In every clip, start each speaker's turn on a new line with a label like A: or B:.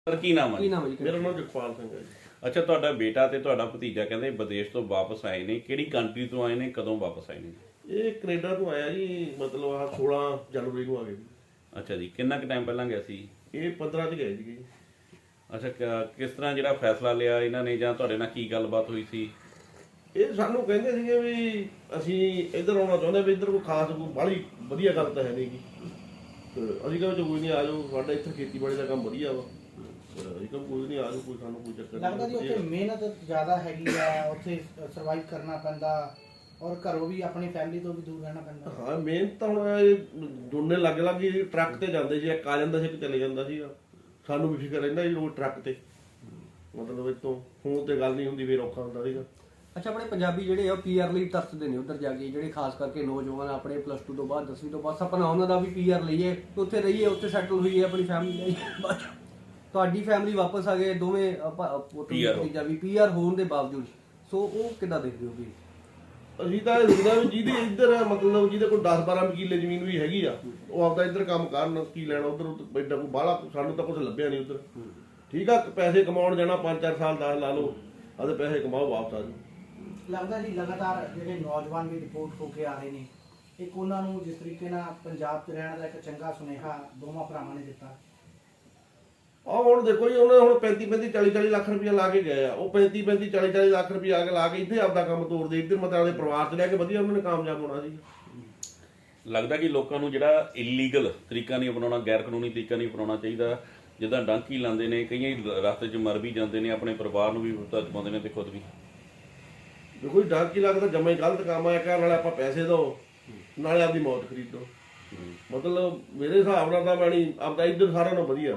A: Sir ਕੀ ਨਾਮ ਹੈ?
B: ਮੇਰਾ ਨਾਮ ਜਗਪਾਲ ਸਿੰਘ ਹੈ ਜੀ।
A: ਅੱਛਾ, ਤੁਹਾਡਾ ਬੇਟਾ ਤੇ ਤੁਹਾਡਾ ਭਤੀਜਾ ਕਹਿੰਦੇ ਵਿਦੇਸ਼ ਤੋਂ ਵਾਪਸ ਆਏ ਨੇ, ਕਿਹੜੀ ਕੰਟਰੀ ਤੋਂ ਆਏ ਨੇ, ਕਦੋਂ ਵਾਪਸ ਆਏ ਨੇ?
B: ਇਹ ਕੈਨੇਡਾ ਤੋਂ ਆਇਆ ਜੀ, ਮਤਲਬ ਆ 16 ਜਨਵਰੀ ਨੂੰ ਆ ਗਏ ਜੀ।
A: ਅੱਛਾ ਜੀ, ਕਿੰਨਾ ਕੁ ਟਾਈਮ ਪਹਿਲਾਂ ਗਿਆ ਸੀ?
B: ਇਹ 15 ਚ ਗਏ ਜੀ।
A: ਅੱਛਾ, ਕਿਸ ਤਰ੍ਹਾਂ ਜਿਹੜਾ ਫੈਸਲਾ ਲਿਆ ਇਹਨਾਂ ਨੇ, ਜਾਂ ਤੁਹਾਡੇ ਨਾਲ ਕੀ ਗੱਲਬਾਤ ਹੋਈ ਸੀ?
B: ਇਹ ਸਾਨੂੰ ਕਹਿੰਦੇ ਸੀਗੇ ਵੀ ਅਸੀਂ ਇੱਧਰ ਆਉਣਾ ਚਾਹੁੰਦੇ ਵੀ ਇੱਧਰ ਕੋਈ ਖਾਸ ਕੋਈ ਬਾਹਲੀ ਵਧੀਆ ਗੱਲ ਤਾਂ ਹੈ ਨਹੀਂ ਗੀ, ਤੇ ਅਸੀਂ ਕਹਿੰਦੇ ਕੋਈ ਨਹੀਂ, ਆ ਜਾਓ, ਸਾਡਾ ਇੱਥੇ ਖੇਤੀਬਾੜੀ ਦਾ ਕੰਮ ਵਧੀਆ ਵਾ, ਅਸੀਂ ਕਹਿੰਦੇ ਕੋਈ ਨਹੀਂ, ਆ ਜਾਓ, ਕੋਈ ਸਾਨੂੰ ਕੋਈ ਚੱਕਰ ਨਹੀਂ।
C: ਲੱਗਦਾ ਜੀ ਉੱਥੇ ਮਿਹਨਤ ਜ਼ਿਆਦਾ ਹੈਗੀ ਆ, ਉੱਥੇ ਸਰਵਾਈਵ ਕਰਨਾ ਪੈਂਦਾ ਔਰ ਘਰੋਂ ਵੀ ਆਪਣੀ ਫੈਮਿਲੀ ਤੋਂ ਵੀ ਦੂਰ ਰਹਿਣਾ ਪੈਂਦਾ।
B: ਹਾਂ, ਮਿਹਨਤ ਤਾਂ ਹੁਣ ਇਹ ਦੋਨੇ ਲੱਗ ਲੱਗ ਹੀ ਟਰੱਕ ਤੇ ਜਾਂਦੇ ਸੀ, ਇੱਕ ਆ ਜਾਂਦਾ ਸੀ ਇੱਕ ਚਲੇ ਜਾਂਦਾ ਸੀ। ਸਾਨੂੰ ਵੀ ਫਿਕਰ ਰਹਿੰਦਾ ਜੀ ਉਹ ਟਰੱਕ ਤੇ, ਮਤਲਬ ਇਤੋਂ ਫੋਨ ਤੇ ਗੱਲ ਨਹੀਂ ਹੁੰਦੀ, ਫਿਰ ਔਖਾ ਹੁੰਦਾ ਸੀਗਾ।
D: ਅੱਛਾ, ਆਪਣੇ ਪੰਜਾਬੀ ਜਿਹੜੇ ਆ ਪੀਆਰ ਲਈ ਤਰਸਦੇ ਨੇ ਉੱਧਰ ਜਾ ਕੇ, ਜਿਹੜੇ ਖਾਸ ਕਰਕੇ ਨੌਜਵਾਨ ਆਪਣੇ +2 ਤੋਂ ਬਾਅਦ 10ਵੀਂ ਤੋਂ ਬਾਅਦ ਸਪਨਾ ਉਹਨਾਂ ਦਾ ਵੀ ਪੀਆਰ ਲਈਏ, ਉੱਥੇ ਰਹੀਏ, ਉੱਥੇ ਸੈਟਲ ਹੋਈਏ, ਆਪਣੀ ਫੈਮਿਲੀ ਲਈ। ਤੁਹਾਡੀ ਫੈਮਿਲੀ ਵਾਪਸ ਆ ਗਏ ਦੋਵੇਂ, ਭਤੀਜਾ ਵੀ ਪੀਆਰ ਹੋਣ ਦੇ ਬਾਵਜੂਦ, ਸੋ ਉਹ ਕਿੱਦਾਂ ਦੇਖਦੇ ਹੋ ਵੀ?
B: ਅਸੀਂ ਤਾਂ ਇਹ ਦੇਖਦਾ ਵੀ ਜਿਹਦੇ ਇੱਧਰ ਮਤਲਬ ਜਿਹਦੇ ਕੋਲ 10-12 ਕਿੱਲੇ ਜ਼ਮੀਨ ਵੀ ਹੈਗੀ ਆ, ਉਹ ਆਪਦਾ ਇੱਧਰ ਕੰਮ ਕਰਨ, ਕੀ ਲੈਣਾ ਉੱਧਰ ਐਡਾ ਕੋਈ ਬਾਹਲਾ, ਸਾਨੂੰ ਤਾਂ ਕੁਝ ਲੱਭਿਆ ਨਹੀਂ ਉੱਧਰ। ਠੀਕ ਆ, ਪੈਸੇ ਕਮਾਉਣ ਜਾਣਾ 5-4 ਸਾਲ 10 ਲਾ ਲਓ, ਆਦੇ ਪੈਸੇ ਕਮਾਓ, ਵਾਪਸ ਆ ਜਾਓ।
C: ਲੱਗਦਾ ਜੀ ਲਗਾਤਾਰ ਜਿਹੜੇ ਨੌਜਵਾਨ ਵੀ ਰਿਪੋਰਟ ਹੋ ਕੇ ਆ ਰਹੇ ਨੇ, ਇੱਕ ਉਹਨਾਂ ਨੂੰ ਜਿਸ ਤਰੀਕੇ ਨਾਲ ਪੰਜਾਬ 'ਚ ਰਹਿਣ ਦਾ ਇੱਕ ਚੰਗਾ ਸੁਨੇਹਾ ਦੋਵਾਂ ਭਰਾਵਾਂ ਨੇ ਦਿੱਤਾ।
B: ਆਹ ਹੁਣ ਦੇਖੋ ਜੀ, ਉਹਨੇ ਹੁਣ 35-35 40-40 ਲੱਖ ਰੁਪਇਆ ਲਾ ਕੇ ਗਏ ਆ, ਉਹ 35-35 40-40 ਲੱਖ ਰੁਪਇਆ ਲਾ ਕੇ ਇੱਥੇ ਆਪਦਾ ਕੰਮ ਤੋਰਦੇ, ਇੱਧਰ ਮਤਲਬ ਆਪਣੇ ਪਰਿਵਾਰ 'ਚ ਲੈ ਕੇ ਵਧੀਆ ਉਹਨਾਂ ਨੇ ਕਾਮਯਾਬ ਹੋਣਾ ਸੀ।
A: ਲੱਗਦਾ ਕਿ ਲੋਕਾਂ ਨੂੰ ਜਿਹੜਾ ਇਲੀਗਲ ਤਰੀਕਾ ਨਹੀਂ ਅਪਣਾਉਣਾ, ਗੈਰ ਕਾਨੂੰਨੀ ਤਰੀਕਾ ਨਹੀਂ ਅਪਣਾਉਣਾ ਚਾਹੀਦਾ। ਜਿੱਦਾਂ ਡਾਂਕੀ ਲਾਉਂਦੇ ਨੇ, ਕਈਆਂ ਰਸਤੇ 'ਚ ਮਰ ਵੀ ਜਾਂਦੇ ਨੇ, ਆਪਣੇ ਪਰਿਵਾਰ ਨੂੰ ਵੀ ਵਿਪਤਾ 'ਚ ਪਾਉਂਦੇ ਨੇ ਤੇ ਖੁਦ ਵੀ।
B: ਦੇਖੋ ਜੀ, ਡਾਂਕੀ ਲੱਗਦਾ ਜਮਾ ਹੀ ਗਲਤ ਕੰਮ ਆ, ਕਹਿਣ ਨਾਲੇ ਆਪਾਂ ਪੈਸੇ ਦਿਓ, ਨਾਲੇ ਆਪਦੀ ਮੌਤ ਖਰੀਦੋ। ਮਤਲਬ ਮੇਰੇ ਹਿਸਾਬ ਨਾਲ ਤਾਂ ਮੈਣੀ ਆਪਦਾ ਇੱਧਰ ਸਾਰਿਆਂ ਨਾਲੋਂ ਵਧੀਆ।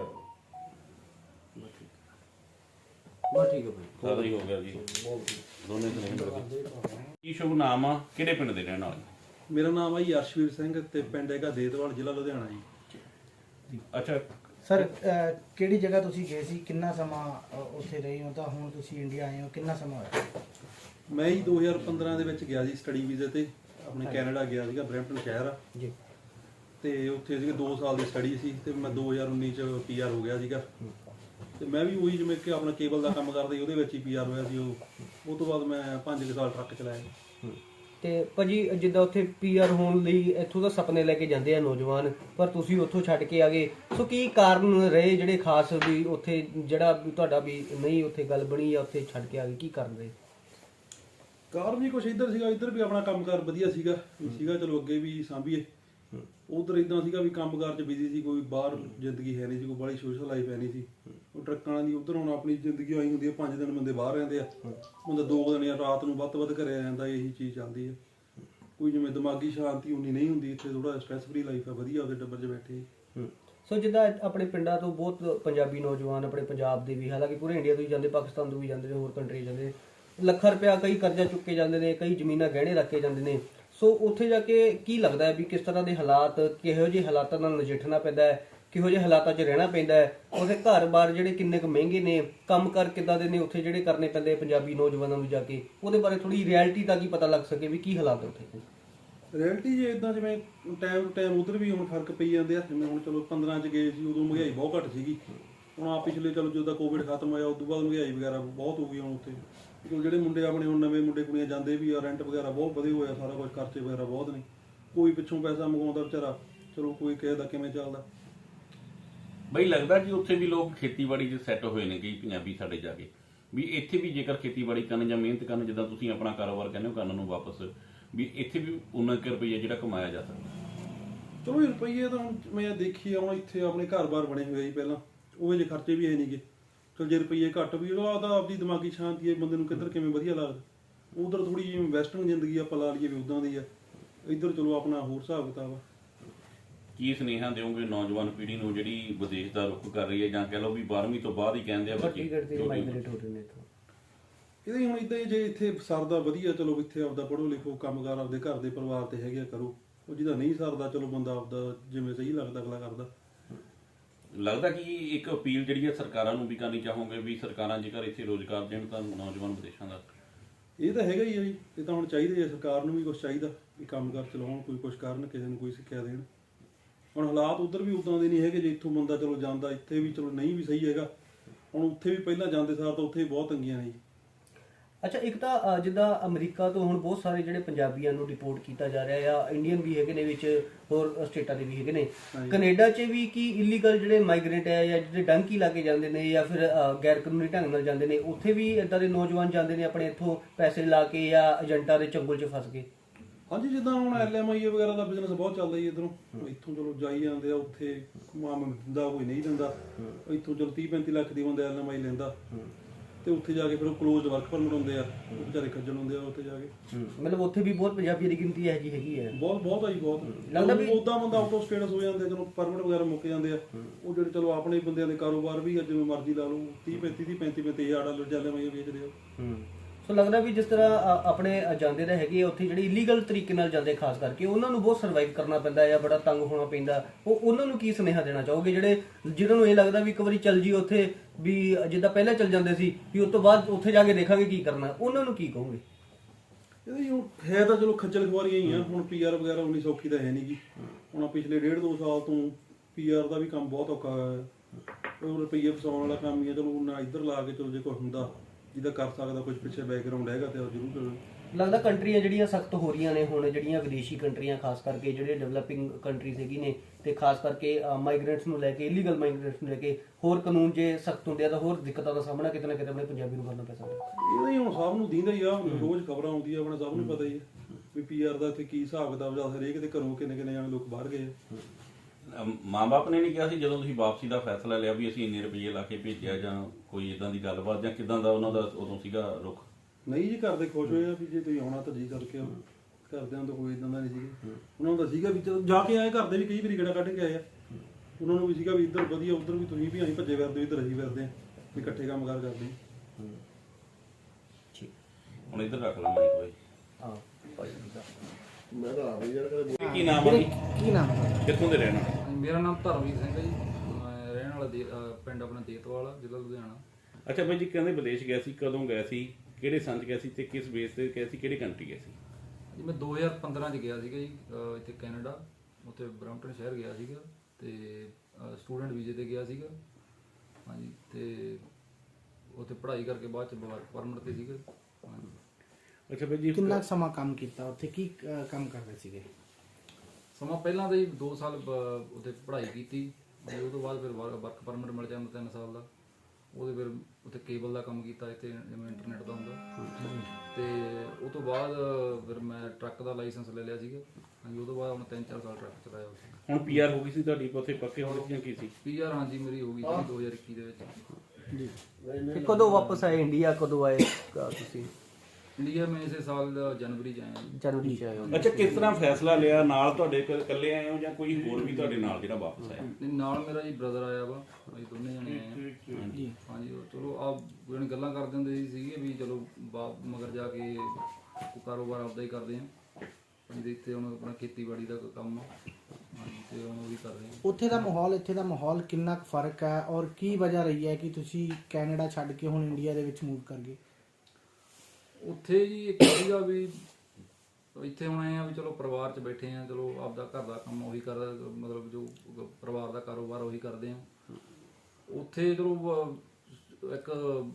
D: ਬਸ ਠੀਕ ਹੈ ਭਾਈ,
A: ਸਾਰਾ ਹੀ ਹੋ ਗਿਆ ਜੀ, ਦੋਨੇ ਸੁਨੇਹੇ ਮਿਲ ਗਏ। ਕੀ ਸ਼ੁਭ ਨਾਮ ਆ, ਕਿਹੜੇ ਪਿੰਡ ਦੇ ਰਹਿਣ ਵਾਲੇ?
E: ਮੇਰਾ ਨਾਮ ਹੈ ਅਰਸ਼ਵੀਰ ਸਿੰਘ ਤੇ ਪਿੰਡ ਹੈਗਾ ਦੇਦਵਾਲ, ਜ਼ਿਲ੍ਹਾ ਲੁਧਿਆਣਾ ਜੀ।
A: ਅੱਛਾ
C: ਸਰ, ਕਿਹੜੀ ਜਗ੍ਹਾ ਤੁਸੀਂ ਗਏ ਸੀ, ਕਿੰਨਾ ਸਮਾਂ ਉੱਥੇ ਰਹੇ ਹੋ, ਤਾਂ ਹੁਣ ਤੁਸੀਂ ਇੰਡੀਆ ਆਏ ਹੋ, ਕਿੰਨਾ ਸਮਾਂ ਹੋਇਆ?
E: ਮੈਂ ਹੀ 2015 ਦੇ ਵਿੱਚ ਗਿਆ ਜੀ ਸਟੱਡੀ ਵੀਜ਼ੇ ਤੇ, ਆਪਣੇ ਕੈਨੇਡਾ ਗਿਆ ਸੀਗਾ, ਬਰੈਂਪਟਨ ਸ਼ਹਿਰ ਆ
C: ਜੀ,
E: ਤੇ ਉੱਥੇ ਸੀਗੇ 2 ਸਾਲ ਦੀ ਸਟੱਡੀ ਸੀ, ਤੇ ਮੈਂ 2019 ਚ ਪੀਆਰ ਹੋ ਗਿਆ ਸੀਗਾ। ਤੇ ਮੈਂ ਵੀ ਉਹੀ ਜਿਵੇਂ ਕਿ ਆਪਣਾ ਕੇਬਲ ਦਾ ਕੰਮ ਕਰਦਾ ਸੀ, ਉਹਦੇ ਵਿੱਚ ਹੀ ਪੀਆਰ ਹੋਇਆ ਸੀ। ਉਹ ਤੋਂ ਬਾਅਦ ਮੈਂ 5 ਸਾਲ ਟਰੱਕ ਚਲਾਇਆ।
D: ਤੇ ਭਾਜੀ ਜਿੱਦਾਂ ਉੱਥੇ ਪੀਆਰ ਹੋਣ ਲਈ ਇੱਥੋਂ ਦਾ ਸੁਪਨੇ ਲੈ ਕੇ ਜਾਂਦੇ ਆ ਨੌਜਵਾਨ, ਪਰ ਤੁਸੀਂ ਉੱਥੋਂ ਛੱਡ ਕੇ ਆ ਗਏ, ਸੋ ਕੀ ਕਾਰਨ ਰਹੇ ਜਿਹੜੇ ਖਾਸ ਵੀ ਉੱਥੇ ਜਿਹੜਾ ਤੁਹਾਡਾ ਵੀ ਨਹੀਂ ਉੱਥੇ ਗੱਲ ਬਣੀ ਜਾਂ ਉੱਥੇ ਛੱਡ ਕੇ ਆ ਗਏ, ਕੀ ਕਾਰਨ ਰਹੇ?
E: ਕਾਰਨ ਵੀ ਕੁਛ ਇੱਧਰ ਸੀਗਾ, ਇੱਧਰ ਵੀ ਆਪਣਾ ਕੰਮਕਾਰ ਵਧੀਆ ਸੀਗਾ, ਚਲੋ ਅੱਗੇ ਵੀ ਸਾਂਭੀਏ। ਉਧਰ ਇਦਾਂ ਸੀਗਾ ਵੀ ਕੰਮਕਾਰ 'ਚ ਬਿਜ਼ੀ ਸੀ, ਕੋਈ ਬਾਹਰ ਜ਼ਿੰਦਗੀ ਹੈ ਨਹੀਂ ਸੀ, ਕੋਈ ਬਾਹਲੀ ਸੋਸ਼ਲ ਲਾਈਫ ਹੈ ਨਹੀਂ ਸੀ। ਉਹ ਟਰੱਕਾਂ ਵਾਲਿਆਂ ਦੀ ਉੱਧਰ ਹੁਣ ਆਪਣੀ ਜ਼ਿੰਦਗੀ ਆਈ ਹੁੰਦੀ ਹੈ, 5 ਦਿਨ ਬੰਦੇ ਬਾਹਰ ਰਹਿੰਦੇ ਆ, ਬੰਦਾ 2 ਦਿਨ ਜਾਂ ਰਾਤ ਨੂੰ ਵੱਧ ਤੋਂ ਵੱਧ ਘਰੇ ਆ ਜਾਂਦਾ, ਇਹੀ ਚੀਜ਼ ਚੱਲਦੀ ਹੈ। ਕੋਈ ਜਿਵੇਂ ਦਿਮਾਗੀ ਸ਼ਾਂਤੀ ਉਨੀ ਨਹੀਂ ਹੁੰਦੀ ਇੱਥੇ, ਥੋੜਾ ਸਟ੍ਰੈਸ ਫਰੀ ਲਾਈਫ ਆ, ਵਧੀਆ ਉਹਦੇ ਟੱਬਰ 'ਚ ਬੈਠੇ।
D: ਸੋ ਜਿੱਦਾਂ ਆਪਣੇ ਪਿੰਡਾਂ ਤੋਂ ਬਹੁਤ ਪੰਜਾਬੀ ਨੌਜਵਾਨ ਆਪਣੇ ਪੰਜਾਬ ਦੇ ਵੀ, ਹਾਲਾਂਕਿ ਪੂਰੇ ਇੰਡੀਆ ਤੋਂ ਹੀ ਜਾਂਦੇ, ਪਾਕਿਸਤਾਨ ਤੋਂ ਵੀ ਜਾਂਦੇ ਨੇ, ਹੋਰ ਕੰਟਰੀ ਜਾਂਦੇ ਨੇ, ਲੱਖਾਂ ਰੁਪਇਆ ਕਈ ਕਰਜ਼ਾ ਚੁੱਕ ਕੇ ਜਾਂਦੇ ਨੇ, ਕਈ ਜ਼ਮੀਨਾਂ ਗਹਿਣੇ ਰੱਖ ਕੇ ਜਾਂਦੇ ਨੇ। ਸੋ ਉੱਥੇ ਜਾ ਕੇ ਕੀ ਲੱਗਦਾ ਹੈ ਵੀ ਕਿਸ ਤਰ੍ਹਾਂ ਦੇ ਹਾਲਾਤ, ਕਿਹੋ ਜਿਹੇ ਹਾਲਾਤਾਂ ਨਾਲ ਨਜਿੱਠਣਾ ਪੈਂਦਾ ਹੈ, ਕਿਹੋ ਜਿਹੇ ਹਾਲਾਤਾਂ 'ਚ ਰਹਿਣਾ ਪੈਂਦਾ ਹੈ, ਉੱਥੇ ਘਰ-ਬਾਰ ਜਿਹੜੇ ਕਿੰਨੇ ਕੁ ਮਹਿੰਗੇ ਨੇ, ਕੰਮ-ਕਾਰ ਕਿੱਦਾਂ ਦੇ ਨੇ ਉੱਥੇ ਜਿਹੜੇ ਕਰਨੇ ਪੈਂਦੇ ਪੰਜਾਬੀ ਨੌਜਵਾਨਾਂ ਨੂੰ ਜਾ ਕੇ, ਉਹਦੇ ਬਾਰੇ ਥੋੜੀ ਰਿਐਲਿਟੀ ਤਾਂ ਕੀ ਪਤਾ ਲੱਗ ਸਕੇ ਵੀ ਕੀ ਹਾਲਾਤ ਹੈ ਉੱਥੇ?
E: ਰਿਐਲਿਟੀ ਜੇ ਇਦਾਂ ਜਿਵੇਂ ਟਾਈਮ ਟੂ ਟਾਈਮ ਉਧਰ ਵੀ ਹੁਣ ਫਰਕ ਪਈ ਜਾਂਦੇ ਆ। ਜਿਵੇਂ ਹੁਣ ਚਲੋ 15 ਚ ਗਏ ਸੀ, ਉਦੋਂ ਮਹਿੰਗਾਈ ਬਹੁਤ ਘੱਟ ਸੀਗੀ। ਹੁਣ ਆ ਪਿਛਲੇ ਚਲੋ ਜਦੋਂ ਕੋਵਿਡ ਖਤਮ ਹੋਇਆ, ਉਸ ਤੋਂ ਬਾਅਦ ਮਹਿੰਗਾਈ ਵਗੈਰਾ ਬਹੁਤ ਹੋ ਗਈ ਹੁਣ ਉੱਥੇ। ਕਿਉਂਕਿ ਜਿਹੜੇ ਮੁੰਡੇ ਆਪਣੇ ਹੁਣ ਨਵੇਂ ਮੁੰਡੇ ਕੁੜੀਆਂ ਜਾਂਦੇ ਵੀ ਆ, ਰੈਂਟ ਵਗੈਰਾ ਬਹੁਤ ਵਧੇ ਹੋਇਆ, ਸਾਰਾ ਕੁਝ ਖਰਚੇ ਵਗੈਰਾ ਬਹੁਤ ਨੇ। ਕੋਈ ਪਿੱਛੋਂ ਪੈਸਾ ਮੰਗਵਾਉਂਦਾ ਵਿਚਾਰਾ, ਚਲੋ ਕੋਈ ਕਿਸੇ ਦਾ ਕਿਵੇਂ ਚੱਲਦਾ।
A: ਬਈ ਲੱਗਦਾ ਕਿ ਉੱਥੇ ਵੀ ਲੋਕ ਖੇਤੀਬਾੜੀ 'ਚ ਸੈੱਟ ਹੋਏ ਨੇ, ਕਈ ਪੰਜਾਬੀ ਸਾਡੇ ਜਾ ਕੇ ਵੀ ਇੱਥੇ ਵੀ ਜੇਕਰ ਖੇਤੀਬਾੜੀ ਕਰਨ ਜਾਂ ਮਿਹਨਤ ਕਰਨ, ਜਿੱਦਾਂ ਤੁਸੀਂ ਆਪਣਾ ਕਾਰੋਬਾਰ ਕਹਿੰਦੇ ਹੋ ਕਰਨ ਨੂੰ ਵਾਪਸ, ਵੀ ਇੱਥੇ ਵੀ ਉਨਾ ਕੁ ਰੁਪਈਆ ਜਿਹੜਾ ਕਮਾਇਆ ਜਾ ਸਕਦਾ।
E: ਚਲੋ ਰੁਪਈਏ ਤਾਂ ਹੁਣ ਮੈਂ ਦੇਖੀ ਹੁਣ ਇੱਥੇ ਆਪਣੇ ਘਰ-ਬਾਰ ਬਣੇ ਹੋਏ ਸੀ ਪਹਿਲਾਂ, ਉਹ ਜਿਹੇ ਖਰਚੇ ਵੀ ਹੈ ਨਹੀਂਗੇ। ਚਲ ਜੇ ਰੁਪਈਏ ਘੱਟ ਵੀ, ਉਹ ਆਦਾ ਆਪਦੀ ਦਿਮਾਗੀ ਸ਼ਾਂਤੀ ਹੈ, ਬੰਦੇ ਨੂੰ ਕਿੱਧਰ ਕਿਵੇਂ ਵਧੀਆ ਲੱਗਦਾ। ਉਧਰ ਥੋੜੀ ਜਿਹੀ ਵੈਸਟਰਨ ਜ਼ਿੰਦਗੀ ਆਪਾਂ ਲਾ ਲਈਏ ਵੀ ਉਦਾਂ ਦੀ ਆ, ਇੱਧਰ ਚਲੋ ਆਪਣਾ ਹੋਰ ਹਿਸਾਬ ਕਿਤਾਬ ਆ।
A: ਕੀ ਸੁਨੇਹਾ ਦਿਓਗੇ ਨੌਜਵਾਨ ਪੀੜ੍ਹੀ ਨੂੰ ਜਿਹੜੀ ਵਿਦੇਸ਼ ਦਾ ਰੁਖ ਕਰ ਰਹੀ ਹੈ, ਜਾਂ ਕਹਿ ਲਓ ਵੀ 12ਵੀਂ ਤੋਂ ਬਾਅਦ ਹੀ ਕਹਿੰਦੇ ਆ ਬੱਚੇ
D: ਮਾਈਗ੍ਰੇਟ ਹੋ ਰਹੇ ਨੇ ਇੱਥੋਂ?
E: ਇਹਦੇ ਹੁਣ ਇਦਾਂ ਜੇ ਇੱਥੇ ਸਰਦਾ ਵਧੀਆ, ਚਲੋ ਇੱਥੇ ਆਪਦਾ ਪੜ੍ਹੋ ਲਿਖੋ, ਕੰਮਕਾਰ ਆਪਦੇ ਘਰ ਦੇ ਪਰਿਵਾਰ ਤੇ ਹੈਗੇ ਕਰੋ। ਉਹ ਜਿਹਦਾ ਨਹੀਂ ਸਰਦਾ, ਚਲੋ ਬੰਦਾ ਆਪਦਾ ਜਿਵੇਂ ਸਹੀ ਲੱਗਦਾ ਅਗਲਾ ਕਰਦਾ।
A: ਲੱਗਦਾ ਕਿ ਇੱਕ ਅਪੀਲ ਜਿਹੜੀ ਹੈ ਸਰਕਾਰਾਂ ਨੂੰ ਵੀ ਕਰਨੀ ਚਾਹੋਗੇ ਵੀ ਸਰਕਾਰਾਂ ਜੇਕਰ ਇੱਥੇ ਰੋਜ਼ਗਾਰ ਦੇਣ ਤਾਂ ਨੌਜਵਾਨ ਵਿਦੇਸ਼ਾਂ ਦਾ?
E: ਇਹ ਤਾਂ ਹੈਗਾ ਹੀ ਆ ਜੀ, ਇਹ ਤਾਂ ਹੁਣ ਚਾਹੀਦਾ ਹੈ, ਸਰਕਾਰ ਨੂੰ ਵੀ ਕੁਛ ਚਾਹੀਦਾ ਵੀ ਕੰਮਕਾਰ ਚਲਾਉਣ, ਕੋਈ ਕੁਛ ਕਰਨ, ਕਿਸੇ ਨੂੰ ਕੋਈ ਸਿੱਖਿਆ ਦੇਣ। ਹੁਣ ਹਾਲਾਤ ਉਧਰ ਵੀ ਉਦਾਂ ਦੇ ਨਹੀਂ ਹੈਗੇ, ਜੇ ਇੱਥੋਂ ਬੰਦਾ ਚਲੋ ਜਾਂਦਾ, ਇੱਥੇ ਵੀ ਚਲੋ ਨਹੀਂ ਵੀ ਸਹੀ ਹੈਗਾ, ਹੁਣ ਉੱਥੇ ਵੀ ਪਹਿਲਾਂ ਜਾਂਦੇ ਸਾਰ ਤਾਂ ਉੱਥੇ ਵੀ ਬਹੁਤ ਤੰਗੀਆਂ ਨੇ ਜੀ।
D: ਅੱਛਾ, ਇੱਕ ਤਾਂ ਜਿੱਦਾਂ ਅਮਰੀਕਾ ਤੋਂ ਹੁਣ ਬਹੁਤ ਸਾਰੇ ਜਿਹੜੇ ਪੰਜਾਬੀਆਂ ਨੂੰ ਡਿਪੋਰਟ ਕੀਤਾ ਜਾ ਰਿਹਾ ਆ, ਇੰਡੀਅਨ ਵੀ ਹੈਗੇ ਨੇ ਵਿੱਚ, ਹੋਰ ਸਟੇਟਾਂ ਦੇ ਵੀ ਹੈਗੇ ਨੇ। ਕੈਨੇਡਾ 'ਚ ਵੀ ਕੀ ਇਲੀਗਲ ਜਿਹੜੇ ਮਾਈਗ੍ਰੇਟ ਹੈ ਜਾਂ ਜਿਹੜੇ ਡੰਕੀ ਲਾ ਕੇ ਜਾਂਦੇ ਨੇ ਜਾਂ ਫਿਰ ਗੈਰ ਕਾਨੂੰਨੀ ਢੰਗ ਨਾਲ ਜਾਂਦੇ ਨੇ, ਉੱਥੇ ਵੀ ਇਦਾਂ ਦੇ ਨੌਜਵਾਨ ਜਾਂਦੇ ਨੇ ਆਪਣੇ ਇੱਥੋਂ ਪੈਸੇ ਲਾ ਕੇ ਜਾਂ ਏਜੰਟਾਂ ਦੇ ਚੰਗੁਲ 'ਚ ਫਸ ਕੇ?
E: ਹਾਂਜੀ, ਜਿੱਦਾਂ ਹੁਣ LMI ਵਗੈਰਾ ਦਾ ਬਿਜ਼ਨਸ ਬਹੁਤ ਚੱਲਦਾ ਜੀ ਇੱਧਰੋਂ। ਇੱਥੋਂ ਚਲੋ ਜਾਈ ਜਾਂਦੇ ਆ, ਉੱਥੇ ਮਾਮ ਦਿੰਦਾ ਕੋਈ ਨਹੀਂ ਦਿੰਦਾ। ਇੱਥੋਂ ਚਲੋ 30-35 ਲੱਖ ਦੀ ਬੰਦਾ LMI ਲੈਂਦਾ ਤੇ ਉੱਥੇ ਜਾ ਕੇ ਫਿਰ ਉਹ ਕਲੋਜ਼ਡ ਵਰਕ ਪਰਮਿਟ ਹੁੰਦੇ ਆ, ਉਹ ਵਿਚਾਰੇ ਖੱਜਲ ਹੁੰਦੇ ਆ ਉੱਥੇ ਜਾ ਕੇ।
D: ਮਤਲਬ ਉੱਥੇ ਵੀ ਬਹੁਤ ਪੰਜਾਬੀਆਂ ਦੀ ਗਿਣਤੀ ਹੈ ਜੀ, ਹੈਗੀ ਹੈ?
E: ਬਹੁਤ ਆ ਜੀ, ਬਹੁਤ।
D: ਲੱਗਦਾ ਵੀ
E: ਉਦਾਂ ਬੰਦਾ ਆਊਟ ਆਫ ਸਟੇਟਸ ਹੋ ਜਾਂਦੇ, ਚਲੋ ਪਰਮਿਟ ਵਗੈਰਾ ਮੁੱਕ ਜਾਂਦੇ ਆ। ਉਹ ਜਿਹੜੇ ਚਲੋ ਆਪਣੇ ਬੰਦਿਆਂ ਦੇ ਕਾਰੋਬਾਰ ਵੀ ਆ, ਜਿਵੇਂ ਮਰਜ਼ੀ ਲਾ ਲਓ, 35,000 ਡਾਲਰ LMI ਵੇਚ ਰਹੇ ਹੋ।
D: ਸੋ ਲੱਗਦਾ ਵੀ ਜਿਸ ਤਰ੍ਹਾਂ ਆਪਣੇ ਜਾਂਦੇ ਤਾਂ ਹੈਗੇ ਉੱਥੇ ਜਿਹੜੇ ਇਲੀਗਲ ਤਰੀਕੇ ਨਾਲ ਜਾਂਦੇ, ਖਾਸ ਕਰਕੇ ਉਹਨਾਂ ਨੂੰ ਬਹੁਤ ਸਰਵਾਈਵ ਕਰਨਾ ਪੈਂਦਾ ਜਾਂ ਬੜਾ ਤੰਗ ਹੋਣਾ ਪੈਂਦਾ, ਉਹਨਾਂ ਨੂੰ ਕੀ ਸੁਨੇਹਾ ਦੇਣਾ ਚਾਹੋਗੇ ਜਿਹੜੇ ਜਿਹਨਾਂ ਨੂੰ ਇਹ ਲੱਗਦਾ ਵੀ ਇੱਕ ਵਾਰੀ ਚੱਲ ਜੀ ਉੱਥੇ, ਵੀ ਜਿੱਦਾਂ ਪਹਿਲਾਂ ਚੱਲ ਜਾਂਦੇ ਸੀ ਵੀ ਉਸ ਤੋਂ ਬਾਅਦ ਉੱਥੇ ਜਾ ਕੇ ਦੇਖਾਂਗੇ ਕੀ ਕਰਨਾ, ਉਹਨਾਂ ਨੂੰ ਕੀ ਕਹੋਗੇ?
E: ਇਹਦਾ ਜੀ ਹੈ ਤਾਂ ਚਲੋ ਖੱਜਲ ਖੁਆਰੀਆਂ ਹੀ ਆ। ਹੁਣ PR ਵਗੈਰਾ ਉਨੀ ਸੌਖੀ ਤਾਂ ਹੈ ਨਹੀਂ ਗੀ। ਹੁਣ ਪਿਛਲੇ 1.5-2 ਸਾਲ ਤੋਂ PR ਦਾ ਵੀ ਕੰਮ ਬਹੁਤ ਔਖਾ ਹੋਇਆ। ਉਹ ਰੁਪਈਏ ਫਸਾਉਣ ਵਾਲਾ ਕੰਮ ਹੀ ਆ। ਚਲੋ ਨਾ ਇੱਧਰ ਲਾ ਕੇ ਚਲੋ ਜੇ ਕੋਈ ਹੁੰਦਾ ਜਿਹਦਾ ਕਰ ਸਕਦਾ, ਕੁਝ ਪਿੱਛੇ ਬੈਕਗ੍ਰਾਉਂਡ ਹੈਗਾ ਤੇ ਉਹ ਜ਼ਰੂਰ ਕਰੋ।
D: ਲੱਗਦਾ ਕੰਟਰੀਆਂ ਜਿਹੜੀਆਂ ਸਖਤ ਹੋ ਰਹੀਆਂ ਨੇ ਹੁਣ, ਜਿਹੜੀਆਂ ਵਿਦੇਸ਼ੀ ਕੰਟਰੀਆਂ, ਖਾਸ ਕਰਕੇ ਜਿਹੜੇ ਡਿਵੈਲਪਿੰਗ ਕੰਟਰੀਜ਼ ਹੈਗੀ ਨੇ, ਤੇ ਖਾਸ ਕਰਕੇ ਮਾਈਗ੍ਰੈਂਟਸ ਨੂੰ ਲੈ ਕੇ, ਇਲੀਗਲ ਮਾਈਗ੍ਰੈਂਟਸ ਨੂੰ ਲੈ ਕੇ ਹੋਰ ਕਾਨੂੰਨ ਜੇ ਸਖਤ ਹੁੰਦੇ ਆ ਤਾਂ ਹੋਰ ਦਿੱਕਤਾਂ ਦਾ ਸਾਹਮਣਾ ਕਿਤੇ ਨਾ ਕਿਤੇ ਆਪਣੇ ਪੰਜਾਬੀ ਨੂੰ ਕਰਨਾ ਪੈ ਸਕਦਾ।
E: ਇਹਦਾ ਹੀ ਹੁਣ ਸਭ ਨੂੰ ਦੀਂਦਾ ਹੀ ਆ, ਰੋਜ਼ ਖਬਰਾਂ ਆਉਂਦੀਆਂ, ਆਪਣਾ ਸਭ ਨੂੰ ਪਤਾ ਹੀ ਹੈ ਵੀ PR ਦਾ ਇੱਥੇ ਕੀ ਹਿਸਾਬ ਕਿਤਾਬ ਚੱਲ, ਹਰੇਕ ਦੇ ਘਰੋਂ ਕਿੰਨੇ ਜਾਣੇ ਲੋਕ ਬਾਹਰ ਗਏ।
A: ਮਾਂ-ਬਾਪ ਨੇ ਨਹੀਂ ਕਿਹਾ ਸੀ ਜਦੋਂ ਤੁਸੀਂ ਵਾਪਸੀ ਦਾ ਫੈਸਲਾ ਲਿਆ ਵੀ ਅਸੀਂ ਇੰਨੇ ਰੁਪਏ ਲਾ ਕੇ ਭੇਜਿਆ, ਜਾਂ ਕੋਈ ਇਦਾਂ ਦੀ ਗੱਲਬਾਤ, ਜਾਂ ਕਿਦਾਂ ਦਾ ਉਹਨਾਂ ਦਾ ਉਦੋਂ ਸੀਗਾ ਰੁਖ?
E: ਨਹੀਂ ਜੀ, ਘਰ ਦੇ ਖੁਸ਼ ਹੋਏ ਆ ਵੀ ਜੇ ਤੁਸੀਂ ਆਉਣਾ ਤਾਂ ਜੀ ਕਰਕੇ ਆਓ। ਘਰਦਿਆਂ ਤੋਂ ਕੋਈ ਇਦਾਂ ਦਾ ਨਹੀਂ ਸੀਗਾ। ਉਹਨਾਂ ਦਾ ਸੀਗਾ ਵੀ ਚਲੋ ਜਾ ਕੇ ਆਏ, ਘਰ ਦੇ ਵੀ ਕਈ ਵਾਰੀ ਗੇੜਾ ਕੱਢ ਕੇ ਆਏ ਆ। ਉਹਨਾਂ ਨੂੰ ਵੀ ਸੀਗਾ ਵੀ ਇੱਧਰ ਵਧੀਆ, ਉੱਧਰ ਵੀ ਤੁਸੀਂ ਵੀ ਅਸੀਂ ਭੱਜੇ ਫਿਰਦੇ, ਇੱਧਰ ਅਸੀਂ ਫਿਰਦੇ ਆ, ਵੀ ਇਕੱਠੇ ਕੰਮ ਕਾਰ ਕਰਦੇ ਆ।
D: ਠੀਕ,
A: ਹੁਣ ਇੱਧਰ ਰੱਖ ਲਾ ਮਾਈਕ ਭਾਈ।
D: ਹਾਂ ਭਾਈ
B: ਮੈਂ ਤਾਂ ਆ ਰਹੀ ਯਾਰ ਕਦੇ
A: ਕੀ ਨਾਮ ਆ ਜੀ?
C: ਕੀ ਨਾਮ ਹੈ?
A: ਕਿੱਥੋਂ ਦੇ ਰਹਿਣ ਵਾਲੇ?
F: ਮੇਰਾ ਨਾਮ ਧਰਮਵੀਰ ਸਿੰਘ ਹੈ ਜੀ। ਮੈਂ ਰਹਿਣ ਵਾਲਾ ਪਿੰਡ ਆਪਣਾ ਦੇਤਵਾਲ, ਜ਼ਿਲ੍ਹਾ ਲੁਧਿਆਣਾ।
A: ਅੱਛਾ ਭਾਈ ਜੀ, ਕਹਿੰਦੇ ਵਿਦੇਸ਼ ਗਏ ਸੀ, ਕਦੋਂ ਗਏ ਸੀ, ਕਿਹੜੇ ਸੰਨ 'ਚ ਗਏ ਸੀ ਤੇ ਕਿਸ ਬੇਸ ਤੇ ਗਏ ਸੀ, ਕਿਹੜੇ ਕੰਟਰੀ ਗਏ ਸੀ?
F: ਜੀ ਮੈਂ 2015 ਚ ਗਿਆ ਸੀਗਾ ਜੀ, ਇੱਥੇ ਕੈਨੇਡਾ, ਉੱਥੇ ਬਰੈਂਪਟਨ ਸ਼ਹਿਰ ਗਿਆ ਸੀਗਾ ਤੇ ਸਟੂਡੈਂਟ ਵੀਜ਼ੇ ਤੇ ਗਿਆ ਸੀਗਾ। ਹਾਂਜੀ, ਤੇ ਉੱਥੇ ਪੜ੍ਹਾਈ ਕਰਕੇ ਬਾਅਦ ਚ ਪਰਮਿਟ ਤੇ ਸੀਗਾ। ਹਾਂਜੀ।
A: ਅੱਛਾ ਭਾਈ ਜੀ,
C: ਕਿੰਨਾ ਸਮਾਂ ਕੰਮ ਕੀਤਾ ਉੱਥੇ, ਕੀ ਕੰਮ ਕਰਦੇ ਸੀਗੇ?
F: ਸਮਾਂ ਪਹਿਲਾਂ ਤਾਂ ਜੀ 2 ਸਾਲ ਉੱਥੇ ਪੜ੍ਹਾਈ ਕੀਤੀ, ਤੇ ਉਹ ਤੋਂ ਬਾਅਦ ਫਿਰ ਵਰਕ ਪਰਮਿਟ ਮਿਲ ਜਾਂਦਾ 3 ਸਾਲ ਦਾ। ਉਹਦੇ ਫਿਰ ਉੱਥੇ ਕੇਬਲ ਦਾ ਕੰਮ ਕੀਤਾ, ਇੱਥੇ ਜਿਵੇਂ ਇੰਟਰਨੈਟ ਦਾ ਹੁੰਦਾ। ਤੇ ਉਹ ਤੋਂ ਬਾਅਦ ਫਿਰ ਮੈਂ ਟਰੱਕ ਦਾ ਲਾਇਸੈਂਸ ਲੈ ਲਿਆ ਸੀਗਾ। ਹਾਂਜੀ, ਉਹ ਤੋਂ ਬਾਅਦ ਹੁਣ 3-4 ਸਾਲ ਟਰੱਕ ਚਲਾਇਆ ਉੱਥੇ।
A: ਹੁਣ PR ਹੋ ਗਈ ਸੀ ਤੁਹਾਡੀ, ਉੱਥੇ ਪੱਕੇ ਹੋਣ ਦੀਆਂ ਕੀ ਸੀ?
F: PR ਹਾਂਜੀ ਮੇਰੀ ਹੋ ਗਈ ਸੀ 2021 ਦੇ ਵਿੱਚ ਜੀ।
D: ਤੇ ਕਦੋਂ ਵਾਪਸ ਆਏ ਇੰਡੀਆ, ਕਦੋਂ ਆਏ ਤੁਸੀਂ?
F: ਇੰਡੀਆ ਮੈਂ ਇਸੇ ਸਾਲ ਜਨਵਰੀ 'ਚ ਆਇਆ ਜੀ।
D: ਜਨਵਰੀ 'ਚ ਆਏ ਹੋ?
A: ਅੱਛਾ, ਕਿਸ ਤਰ੍ਹਾਂ ਫੈਸਲਾ ਲਿਆ? ਨਾਲ ਤੁਹਾਡੇ ਇਕੱਲੇ ਆਏ ਹੋ ਜਾਂ ਕੋਈ ਹੋਰ ਵੀ ਤੁਹਾਡੇ ਨਾਲ ਜਿਹੜਾ ਵਾਪਸ ਆਇਆ?
F: ਨਹੀਂ, ਨਾਲ ਮੇਰਾ ਜੀ ਬ੍ਰਦਰ ਆਇਆ ਵਾ, ਅਸੀਂ ਦੋਨੇ ਜਣੇ ਆਏ ਆ ਜੀ। ਹਾਂਜੀ, ਉਹ ਚਲੋ ਆਪ ਜਣੇ ਗੱਲਾਂ ਕਰਦੇ ਹੁੰਦੇ ਸੀਗੇ ਵੀ ਚਲੋ ਬਾਪ ਮਗਰ ਜਾ ਕੇ ਕਾਰੋਬਾਰ ਆਪਦਾ ਹੀ ਕਰਦੇ ਆ। ਹਾਂਜੀ, ਇੱਥੇ ਹੁਣ ਆਪਣਾ ਖੇਤੀਬਾੜੀ ਦਾ ਕੰਮ ਆ, ਹਾਂਜੀ, ਤੇ ਹੁਣ ਉਹ ਵੀ ਕਰ ਰਹੇ ਆ।
C: ਉੱਥੇ ਦਾ ਮਾਹੌਲ ਇੱਥੇ ਦਾ ਮਾਹੌਲ ਕਿੰਨਾ ਕੁ ਫਰਕ ਹੈ, ਔਰ ਕੀ ਵਜ੍ਹਾ ਰਹੀ ਹੈ ਕਿ ਤੁਸੀਂ ਕੈਨੇਡਾ ਛੱਡ ਕੇ ਹੁਣ ਇੰਡੀਆ ਦੇ ਵਿੱਚ ਮੂਵ ਕਰ ਗਏ?
F: ਉੱਥੇ ਜੀ ਇੱਕ ਸੀਗਾ ਵੀ ਇੱਥੇ ਹੁਣ ਆਏ ਆ ਵੀ ਚਲੋ ਪਰਿਵਾਰ 'ਚ ਬੈਠੇ ਆ, ਚਲੋ ਆਪਦਾ ਘਰ ਦਾ ਕੰਮ ਉਹੀ ਕਰਦਾ, ਮਤਲਬ ਜੋ ਪਰਿਵਾਰ ਦਾ ਕਾਰੋਬਾਰ ਉਹੀ ਕਰਦੇ ਆ। ਉੱਥੇ ਚਲੋ ਇੱਕ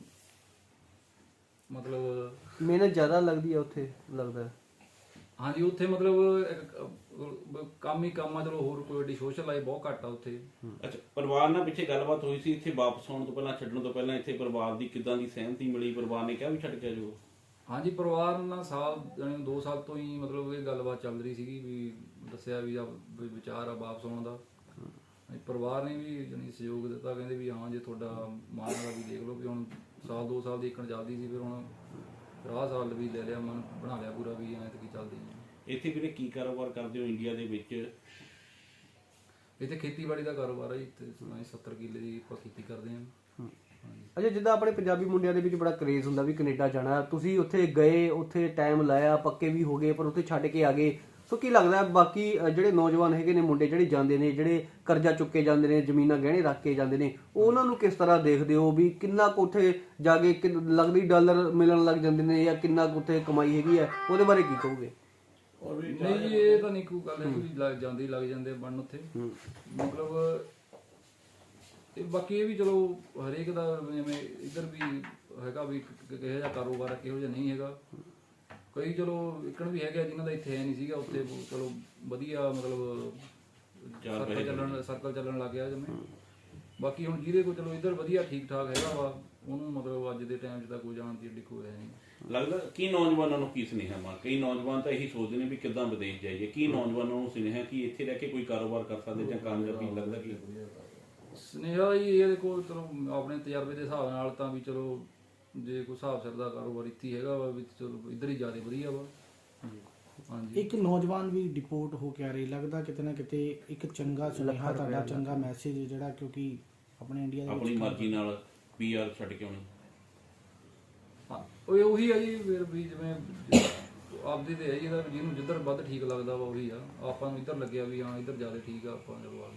F: ਮਤਲਬ
D: ਮਿਹਨਤ ਜ਼ਿਆਦਾ ਲੱਗਦੀ ਹੈ ਉੱਥੇ, ਲੱਗਦਾ?
F: ਹਾਂਜੀ, ਉੱਥੇ ਮਤਲਬ ਇੱਕ ਕੰਮ ਹੀ ਕੰਮ ਆ, ਚਲੋ ਹੋਰ ਕੋਈ ਏਡੀ ਸੋਸ਼ਲ ਲਾਈਫ ਬਹੁਤ ਘੱਟ ਆ ਉੱਥੇ।
A: ਅੱਛਾ, ਪਰਿਵਾਰ ਨਾਲ ਪਿੱਛੇ ਗੱਲਬਾਤ ਹੋਈ ਸੀ ਇੱਥੇ ਵਾਪਸ ਆਉਣ ਤੋਂ ਪਹਿਲਾਂ, ਛੱਡਣ ਤੋਂ ਪਹਿਲਾਂ ਇੱਥੇ ਪਰਿਵਾਰ ਦੀ ਕਿੱਦਾਂ ਦੀ ਸਹਿਮਤੀ ਮਿਲੀ? ਪਰਿਵਾਰ ਨੇ ਕਿਹਾ ਵੀ ਛੱਡ ਕੇ ਆ ਜਾਓ?
F: ਹਾਂਜੀ, ਪਰਿਵਾਰ ਨਾਲ ਸਾਲ ਜਾਣੀ 2 ਸਾਲ ਤੋਂ ਹੀ ਮਤਲਬ ਇਹ ਗੱਲਬਾਤ ਚੱਲ ਰਹੀ ਸੀਗੀ ਵੀ ਦੱਸਿਆ ਵੀ ਵਿਚਾਰ ਆ ਵਾਪਸ ਆਉਣ ਦਾ। ਪਰਿਵਾਰ ਨੇ ਵੀ ਜਾਣੀ ਸਹਿਯੋਗ ਦਿੱਤਾ, ਕਹਿੰਦੇ ਵੀ ਹਾਂ ਜੇ ਤੁਹਾਡਾ ਮਨ ਦਾ ਵੀ ਦੇਖ ਲਓ ਵੀ ਹੁਣ ਸਾਲ 2 ਸਾਲ ਦੀ ਇੱਕਣ ਚੱਲਦੀ ਸੀ, ਫਿਰ ਹੁਣ ਆਹ ਸਾਲ ਵੀ ਲੈ ਲਿਆ, ਮਨ ਬਣਾ ਲਿਆ ਪੂਰਾ ਵੀ ਐਂ ਤੇ ਕੀ ਚੱਲਦੀ ਹੈ।
A: ਇੱਥੇ ਵੀਰੇ ਕੀ ਕਾਰੋਬਾਰ ਕਰਦੇ ਹੋ ਇੰਡੀਆ ਦੇ ਵਿੱਚ?
F: ਇੱਥੇ ਖੇਤੀਬਾੜੀ ਦਾ ਕਾਰੋਬਾਰ ਹੈ ਜੀ, ਇੱਥੇ 70 ਕਿੱਲੇ ਦੀ ਆਪਾਂ ਖੇਤੀ ਕਰਦੇ ਹਾਂ।
D: ਅੱਛਾ, ਜਿੱਦਾਂ ਆਪਣੇ ਪੰਜਾਬੀ ਮੁੰਡਿਆਂ ਦੇ ਵਿੱਚ ਬੜਾ ਕਰੇਜ਼ ਹੁੰਦਾ ਵੀ ਕੈਨੇਡਾ ਜਾਣਾ, ਤੁਸੀਂ ਉੱਥੇ ਗਏ, ਉੱਥੇ ਟਾਈਮ ਲਾਇਆ, ਪੱਕੇ ਵੀ ਹੋ ਗਏ, ਪਰ ਉੱਥੇ ਛੱਡ ਕੇ ਆ ਗਏ। ਸੋ ਕੀ ਲੱਗਦਾ ਬਾਕੀ ਜਿਹੜੇ ਨੌਜਵਾਨ ਹੈਗੇ ਨੇ, ਮੁੰਡੇ ਜਿਹੜੇ ਜਾਂਦੇ ਨੇ, ਜਿਹੜੇ ਕਰਜ਼ਾ ਚੁੱਕੇ ਜਾਂਦੇ ਨੇ, ਜ਼ਮੀਨਾਂ ਗਹਿਣੇ ਰੱਖ ਕੇ ਜਾਂਦੇ ਨੇ, ਉਹਨਾਂ ਨੂੰ ਕਿਸ ਤਰ੍ਹਾਂ ਦੇਖਦੇ ਹੋ ਵੀ ਕਿੰਨਾ ਕੁ ਉੱਥੇ ਜਾ ਕੇ ਲੱਗਦੀ ਡਾਲਰ ਮਿਲਣ ਲੱਗ ਜਾਂਦੇ ਨੇ, ਜਾਂ ਕਿੰਨਾ ਕੁ ਉੱਥੇ ਕਮਾਈ ਹੈਗੀ ਹੈ, ਉਹਦੇ ਬਾਰੇ ਕੀ ਕਹੋਗੇ?
F: ਨਹੀਂ ਜੀ, ਇਹ ਤਾਂ ਨਹੀਂ ਕੋਈ ਗੱਲ ਹੈ, ਲੱਗ ਜਾਂਦੇ ਬਣਨ ਉੱਥੇ। ਮਤਲਬ ਤੇ ਬਾਕੀ ਇਹ ਵੀ ਚਲੋ ਹਰੇਕ ਦਾ ਜਿਵੇਂ ਇੱਧਰ ਵੀ ਹੈਗਾ ਵੀ ਕਿਹੋ ਜਿਹਾ ਕਾਰੋਬਾਰ ਹੈ ਕਿਹੋ ਜਿਹਾ ਨਹੀਂ ਹੈਗਾ। ਕਈ ਚਲੋ ਇੱਕਣ ਵੀ ਹੈਗੇ ਜਿਨ੍ਹਾਂ ਦਾ ਇੱਥੇ ਹੈ ਨਹੀਂ ਸੀਗਾ, ਉੱਥੇ ਚਲੋ ਵਧੀਆ ਮਤਲਬ ਸਰਕਲ ਚੱਲਣ ਲੱਗ ਗਿਆ ਜਿਵੇਂ। ਬਾਕੀ ਹੁਣ ਜਿਹਦੇ ਕੋਲ ਚਲੋ ਇੱਧਰ ਵਧੀਆ ਠੀਕ ਠਾਕ ਹੈਗਾ ਵਾ, ਉਹਨੂੰ ਮਤਲਬ ਅੱਜ ਦੇ ਟਾਈਮ 'ਚ ਤਾਂ ਕੋਈ ਜਾਣ ਦੀ ਏਡੀ ਕੋਈ ਹੈ ਨਹੀਂ।
A: ਲੱਗਦਾ ਕੀ ਨੌਜਵਾਨਾਂ ਨੂੰ ਕੀ ਸੁਨੇਹਾ ਮਾ? ਕਈ ਨੌਜਵਾਨ ਤਾਂ ਇਹੀ ਸੋਚਦੇ ਨੇ ਵੀ ਕਿੱਦਾਂ ਵਿਦੇਸ਼ ਜਾਈਏ, ਕੀ ਨੌਜਵਾਨਾਂ ਨੂੰ ਸੁਨੇਹਾ ਕਿ ਇੱਥੇ ਰਹਿ ਕੇ ਕੋਈ ਕਾਰੋਬਾਰ ਕਰ ਸਕਦੇ ਜਾਂ ਕਾਮਯਾਬੀ ਲੱਗਦਾ ਕੀ?
F: ਸੁਨੇਹਾ ਜੀ ਇਹਦੇ ਕੋਲ ਚਲੋ ਆਪਣੇ ਤਜਰਬੇ ਦੇ ਹਿਸਾਬ ਨਾਲ ਤਾਂ ਵੀ ਚਲੋ ਜੇ ਕੋਈ ਹਿਸਾਬ ਸਿਰ ਦਾ ਕਾਰੋਬਾਰ ਇੱਥੇ ਹੀ ਹੈਗਾ ਵਾ ਵੀ ਚਲੋ ਇੱਧਰ ਹੀ ਜ਼ਿਆਦਾ ਵਧੀਆ ਵਾ। ਹਾਂਜੀ
C: ਇੱਕ ਨੌਜਵਾਨ ਵੀ ਡਿਪੋਰਟ ਹੋ ਕੇ ਆ ਰਹੇ, ਲੱਗਦਾ ਕਿਤੇ ਨਾ ਕਿਤੇ ਇੱਕ ਚੰਗਾ ਸੁਨੇਹਾ ਤੁਹਾਡਾ ਚੰਗਾ ਮੈਸੇਜ ਜਿਹੜਾ, ਕਿਉਂਕਿ ਆਪਣੇ ਇੰਡੀਆ ਦੇ
A: ਆਪਣੀ ਮਰਜ਼ੀ ਨਾਲ PR ਛੱਡ ਕੇ ਆਉਣੀ।
F: ਹਾਂ ਉਹ ਉਹੀ ਆ ਜੀ ਫਿਰ ਵੀ ਜਿਵੇਂ ਆਪਦੀ ਤੇ ਹੈ ਜੀ, ਇਹਦਾ ਜਿਹਨੂੰ ਜਿੱਧਰ ਵੱਧ ਠੀਕ ਲੱਗਦਾ ਵਾ ਉਹੀ ਆ। ਆਪਾਂ ਨੂੰ ਇੱਧਰ ਲੱਗਿਆ ਵੀ ਹਾਂ ਇੱਧਰ ਜ਼ਿਆਦਾ ਠੀਕ ਆ, ਆਪਾਂ ਚਲੋ ਆ ਗਏ।